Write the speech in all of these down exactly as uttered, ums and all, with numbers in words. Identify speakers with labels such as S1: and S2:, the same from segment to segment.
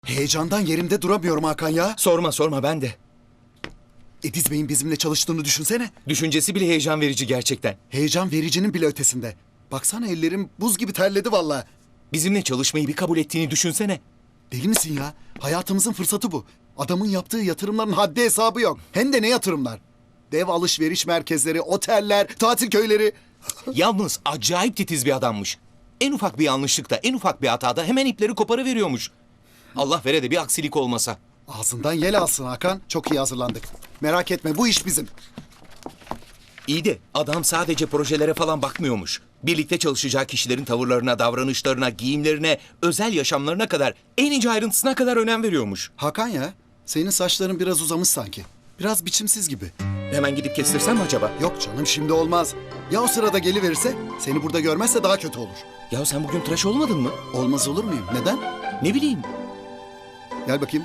S1: Heyecandan yerimde duramıyorum Hakan ya.
S2: Sorma sorma ben de.
S1: Ediz Bey'in bizimle çalıştığını düşünsene.
S2: Düşüncesi bile heyecan verici gerçekten.
S1: Heyecan vericinin bile ötesinde. Baksana ellerim buz gibi terledi vallahi.
S2: Bizimle çalışmayı bir kabul ettiğini düşünsene.
S1: Deli misin ya? Hayatımızın fırsatı bu. Adamın yaptığı yatırımların haddi hesabı yok. Hem de ne yatırımlar? Dev alışveriş merkezleri, oteller, tatil köyleri.
S2: Yalnız acayip titiz bir adammış. En ufak bir yanlışlıkta, en ufak bir hatada hemen ipleri koparıveriyormuş. Allah vere de bir aksilik olmasa.
S1: Ağzından yel alsın Hakan. Çok iyi hazırlandık. Merak etme bu iş bizim.
S2: İyi de adam sadece projelere falan bakmıyormuş. Birlikte çalışacağı kişilerin tavırlarına, davranışlarına, giyimlerine, özel yaşamlarına kadar, en ince ayrıntısına kadar önem veriyormuş.
S1: Hakan ya, senin saçların biraz uzamış sanki. Biraz biçimsiz gibi.
S2: Hemen gidip kestirsem mi acaba?
S1: Yok canım şimdi olmaz. Ya o sırada geliverirse, seni burada görmezse daha kötü olur.
S2: Ya sen bugün tıraş olmadın mı?
S1: Olmaz olur muyum? Neden?
S2: Ne bileyim.
S1: Gel bakayım.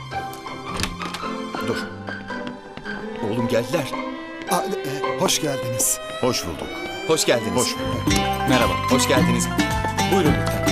S2: Dur. Oğlum geldiler.
S1: Aa, e, hoş geldiniz.
S3: Hoş bulduk.
S2: Hoş geldiniz.
S3: Hoş bulduk.
S2: Merhaba, hoş geldiniz. Buyurun lütfen.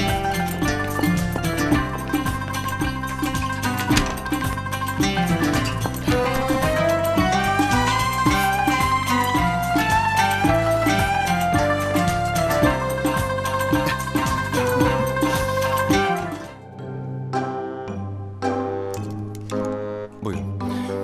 S2: Buyurun.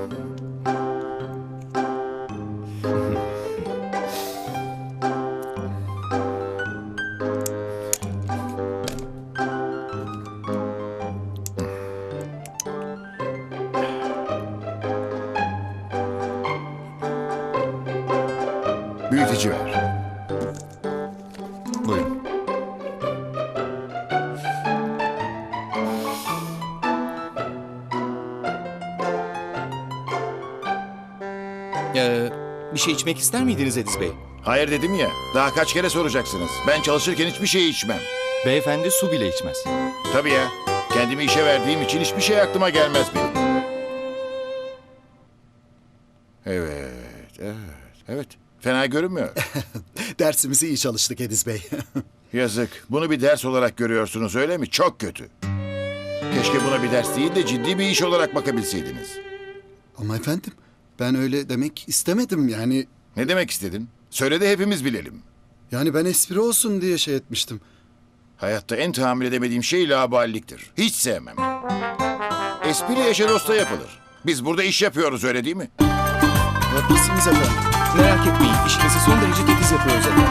S3: Büyüteci ver.
S2: Buyurun. Ee, bir şey içmek ister miydiniz Ediz Bey?
S3: Hayır dedim ya. Daha kaç kere soracaksınız. Ben çalışırken hiçbir şey içmem.
S4: Beyefendi su bile içmez.
S3: Tabii ya. Kendimi işe verdiğim için hiçbir şey aklıma gelmez benim. Evet, evet, evet. Fena görünmüyor.
S1: Dersimizi iyi çalıştık Ediz Bey.
S3: Yazık. Bunu bir ders olarak görüyorsunuz öyle mi? Çok kötü. Keşke buna bir ders değil de ciddi bir iş olarak bakabilseydiniz.
S1: Ama efendim, ben öyle demek istemedim yani.
S3: Ne demek istedin? Söyle de hepimiz bilelim.
S1: Yani ben espri olsun diye şey etmiştim.
S3: Hayatta en tahammül edemediğim şey laubaliliktir. Hiç sevmem. Espri eşe dosta yapılır. Biz burada iş yapıyoruz öyle değil mi?
S1: Haklısınız efendim.
S2: Merak etmeyin, işinizi son derece titiz yapıyoruz efendim.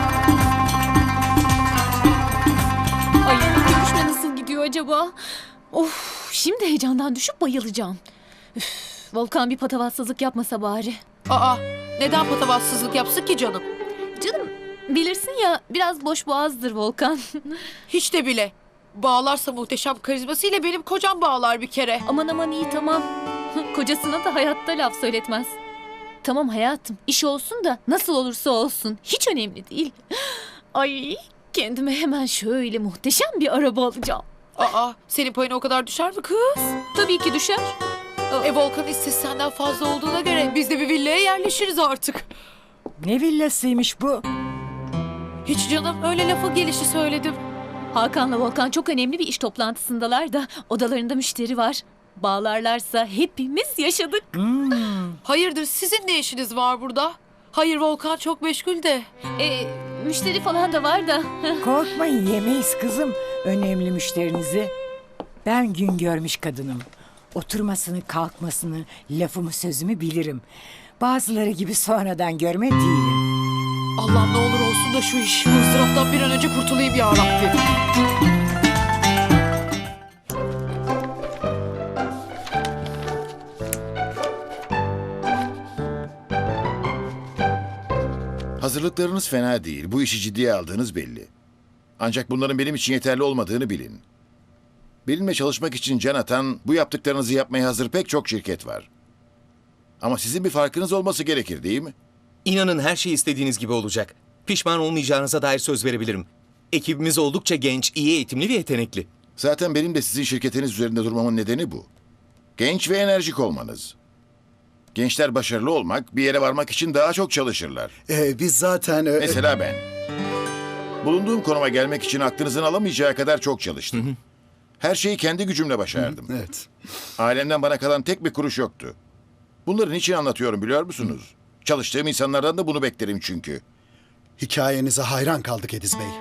S5: Ay görüşme nasıl gidiyor acaba? Of şimdi heyecandan düşüp bayılacağım. Üf, Volkan bir patavatsızlık yapmasa bari.
S6: Aa, neden patavatsızlık yapsın ki canım?
S5: Canım bilirsin ya biraz boş boğazdır Volkan.
S6: Hiç de bile. Bağlarsa muhteşem karizmasıyla benim kocam bağlar bir kere.
S5: Aman aman iyi tamam. Kocasına da hayatta laf söyletmez. Tamam hayatım iş olsun da nasıl olursa olsun hiç önemli değil. Ay kendime hemen şöyle muhteşem bir araba alacağım.
S6: Aa, senin payına o kadar düşer mi kız?
S5: Tabii ki düşer.
S6: E Volkan'ın hissesi senden fazla olduğuna göre biz de bir villaya yerleşiriz artık.
S7: Ne villasıymış bu?
S6: Hiç canım öyle lafı gelişi söyledim.
S5: Hakan'la Volkan çok önemli bir iş toplantısındalar da odalarında müşteri var. Bağlarlarsa hepimiz yaşadık.
S6: Hayırdır sizin ne işiniz var burada? Hayır Volkan çok meşgul de.
S5: E, müşteri falan da var da.
S7: Korkmayın yemeyiz kızım önemli müşterinizi. Ben gün görmüş kadınım. Oturmasını kalkmasını lafımı sözümü bilirim. Bazıları gibi sonradan görme değilim.
S6: Allah'ım ne olur olsun da şu iş, bu ızdıraptan bir an önce kurtulayım ya Rabbim.
S3: Hazırlıklarınız fena değil. Bu işi ciddiye aldığınız belli. Ancak bunların benim için yeterli olmadığını bilin. Benimle çalışmak için can atan, bu yaptıklarınızı yapmaya hazır pek çok şirket var. Ama sizin bir farkınız olması gerekir değil mi?
S2: İnanın her şey istediğiniz gibi olacak. Pişman olmayacağınıza dair söz verebilirim. Ekibimiz oldukça genç, iyi eğitimli ve yetenekli.
S3: Zaten benim de sizin şirketiniz üzerinde durmamın nedeni bu. Genç ve enerjik olmanız. Gençler başarılı olmak, bir yere varmak için daha çok çalışırlar.
S1: Ee, biz zaten... e,
S3: Mesela ben. Bulunduğum konuma gelmek için aklınızın alamayacağı kadar çok çalıştım. Her şeyi kendi gücümle başardım.
S1: Evet.
S3: Ailemden bana kalan tek bir kuruş yoktu. Bunları niçin anlatıyorum biliyor musunuz? Çalıştığım insanlardan da bunu beklerim çünkü.
S1: Hikayenize hayran kaldık Ediz Bey.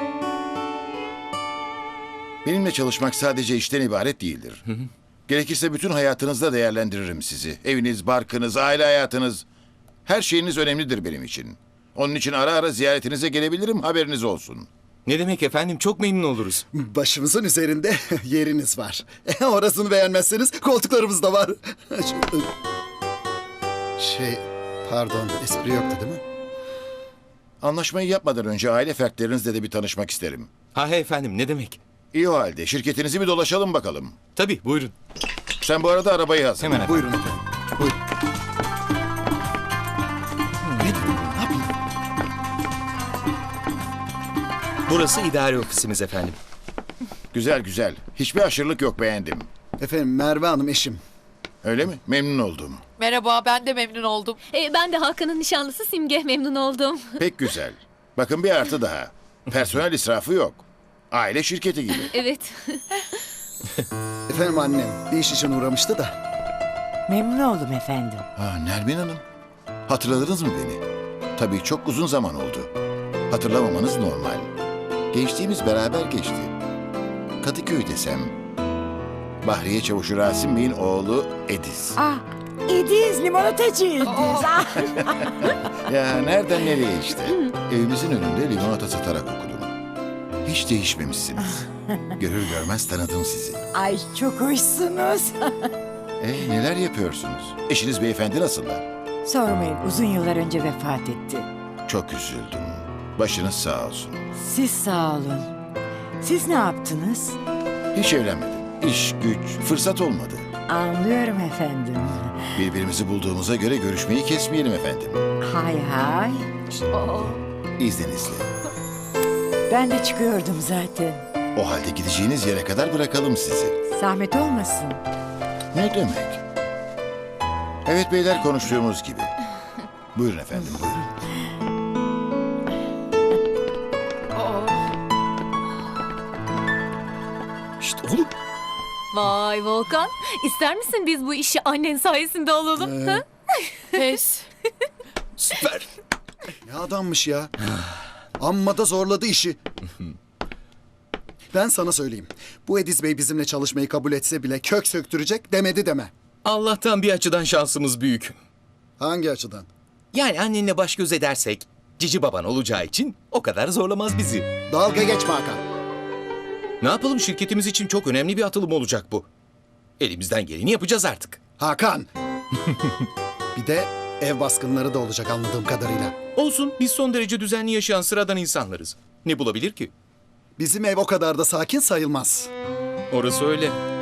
S3: Benimle çalışmak sadece işten ibaret değildir. Gerekirse bütün hayatınızda değerlendiririm sizi. Eviniz, barkınız, aile hayatınız. Her şeyiniz önemlidir benim için. Onun için ara ara ziyaretinize gelebilirim, haberiniz olsun.
S2: Ne demek efendim, çok memnun oluruz.
S1: Başımızın üzerinde yeriniz var. E, orasını beğenmezseniz koltuklarımız da var. şey, pardon, espri yoktu değil mi?
S3: Anlaşmayı yapmadan önce aile fertlerinizle de bir tanışmak isterim.
S2: Ha he efendim, ne demek?
S3: İyi o halde şirketinizi bir dolaşalım bakalım.
S2: Tabii, buyurun.
S3: Sen bu arada arabayı hazırla.
S4: Hemen efendim.
S1: Buyurun efendim. Buyurun. Ne dedim? Ne yapayım?
S2: Burası idare ofisimiz efendim.
S3: Güzel güzel. Hiçbir aşırılık yok, beğendim.
S1: Efendim Merve Hanım eşim.
S3: Öyle mi? Memnun oldum.
S6: Merhaba, ben de memnun oldum.
S5: E, ben de Hakan'ın nişanlısı Simge, memnun oldum.
S3: Pek güzel. Bakın bir artı daha. Personel israfı yok. Aile şirketi gibi.
S5: Evet.
S1: Efendim annem bir iş için uğramıştı da.
S7: Memnun oldum efendim.
S3: Ha, Nermin Hanım. Hatırladınız mı beni? Tabii çok uzun zaman oldu. Hatırlamamanız normal. Gençliğimiz beraber geçti. Kadıköy desem. Bahriye Çavuşu Rasim Bey'in oğlu Ediz.
S7: Ah, Ediz, limonatacı Ediz. Ah.
S3: Ya nereden nereye işte. Evimizin önünde limonata satarak okudum. Hiç değişmemişsiniz. Görür görmez tanıdım sizi.
S7: Ay çok hoşsunuz.
S3: E neler yapıyorsunuz? Eşiniz beyefendi nasıllar?
S7: Sormayın, uzun yıllar önce vefat etti.
S3: Çok üzüldüm. Başınız sağ olsun.
S7: Siz sağ olun. Siz ne yaptınız?
S3: Hiç evlenmedim. İş, güç, fırsat olmadı.
S7: Anlıyorum efendim.
S3: Birbirimizi bulduğumuza göre görüşmeyi kesmeyelim efendim.
S7: Hay hay.
S3: İzninizle.
S7: Ben de çıkıyordum zaten.
S3: O halde gideceğiniz yere kadar bırakalım sizi.
S7: Zahmet olmasın.
S3: Ne demek? Evet beyler, konuştuğumuz gibi. Buyurun efendim, buyurun.
S2: Şşt oğlum.
S5: Vay Volkan, ister misin biz bu işi annen sayesinde alalım? Ha?
S6: Pes.
S2: Süper.
S1: Ne adammış ya. Amma da zorladı işi. Ben sana söyleyeyim. Bu Ediz Bey bizimle çalışmayı kabul etse bile kök söktürecek demedi deme.
S2: Allah'tan bir açıdan şansımız büyük.
S1: Hangi açıdan?
S2: Yani annenle baş göz edersek, cici baban olacağı için o kadar zorlamaz bizi.
S1: Dalga geçme Hakan.
S2: Ne yapalım, şirketimiz için çok önemli bir atılım olacak bu. Elimizden geleni yapacağız artık.
S1: Hakan. Bir de ev baskınları da olacak anladığım kadarıyla.
S2: Olsun, biz son derece düzenli yaşayan sıradan insanlarız. Ne bulabilir ki?
S1: Bizim ev o kadar da sakin sayılmaz.
S2: Orası öyle.